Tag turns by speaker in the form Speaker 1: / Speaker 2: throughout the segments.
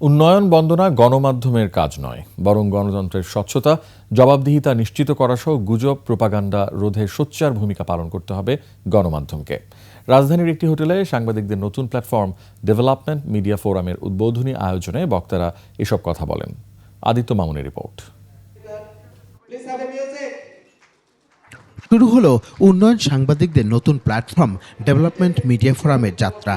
Speaker 1: উন্নয়ন বন্দনা গণমাধ্যমের কাজ নয়, বরং গণতন্ত্রের স্বচ্ছতা, জবাবদিহিতা নিশ্চিত করাসহ গুজব প্রোপাগান্ডা রোধে সোচ্চার ভূমিকা পালন করতে হবে গণমাধ্যমকে। রাজধানীর একটি হোটেলে সাংবাদিকদের নতুন প্ল্যাটফর্ম ডেভেলপমেন্ট মিডিয়া ফোরামের উদ্বোধনী আয়োজনে বক্তারা এসব কথা বলেন। আদিত্য মামুনের রিপোর্ট।
Speaker 2: শুরু হলো উন্নয়ন সাংবাদিকদের নতুন প্ল্যাটফর্ম ডেভেলপমেন্ট মিডিয়া ফোরামের যাত্রা।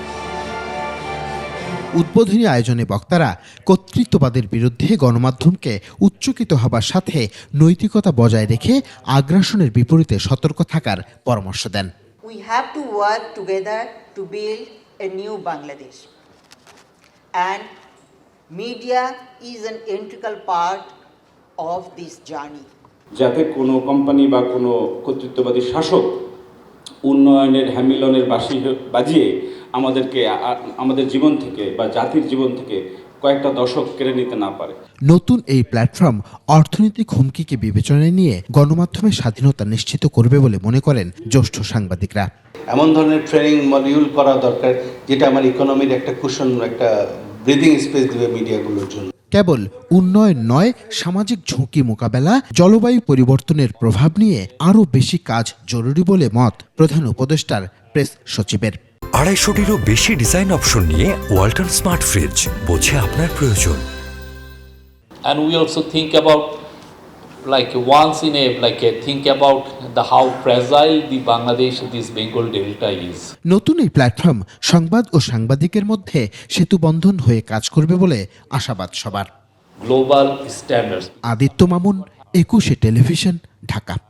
Speaker 2: উদ্বোধনী আয়োজনে বক্তারা কর্তৃত্ববাদের বিরুদ্ধে গণমাধ্যমকে উচ্চকিত হবার সাথে নৈতিকতা বজায় রেখে আগ্রাসনের বিপরীতে সতর্ক থাকার পরামর্শ দেন।
Speaker 3: We have to work together to build a new Bangladesh. And media is an integral part of this journey.
Speaker 4: যাতে কোনো কোম্পানি বা কোনো কর্তৃত্ববাদী শাসক উন্নয়নের হ্যামিলনের বাঁশি বাজিয়ে আমাদের জীবন থেকে বা জাতির জীবন থেকে কয়েকটা দশক কেড়ে নিতে না পারে।
Speaker 2: নতুন এই প্ল্যাটফর্ম অর্থনৈতিক হুমকিকে বিবেচনায় নিয়ে গণমাধ্যমের স্বাধীনতা নিশ্চিত করবে বলে মনে করেন জ্যেষ্ঠ সাংবাদিকরা।
Speaker 5: এমন ধরনের ট্রেনিং মডিউল করা দরকার যেটা আমার ইকোনমির একটা কুশন, একটা ব্রিদিং স্পেস দিবে মিডিয়াগুলোর জন্য।
Speaker 2: কেবল উন্নয়ন নয়, সামাজিক ঝুঁকি মোকাবেলা, জলবায়ু পরিবর্তনের প্রভাব নিয়ে আরও বেশি কাজ জরুরি বলে মত প্রধান উপদেষ্টার প্রেস সচিবের।
Speaker 6: 250-টিরও বেশি ডিজাইন অপশন নিয়ে ওয়ালটন স্মার্ট ফ্রিজ, বোঝে আপনার প্রয়োজন।
Speaker 7: And we also think about think about how fragile the Bangladesh, this Bengal Delta is.
Speaker 2: নতুন এই প্ল্যাটফর্ম সংবাদ ও সাংবাদিকের মধ্যে সেতু বন্ধন হয়ে কাজ করবে বলে আশাবাদ সবার।
Speaker 7: Global standards.
Speaker 2: Aditya Mamun, 21 television, Dhaka.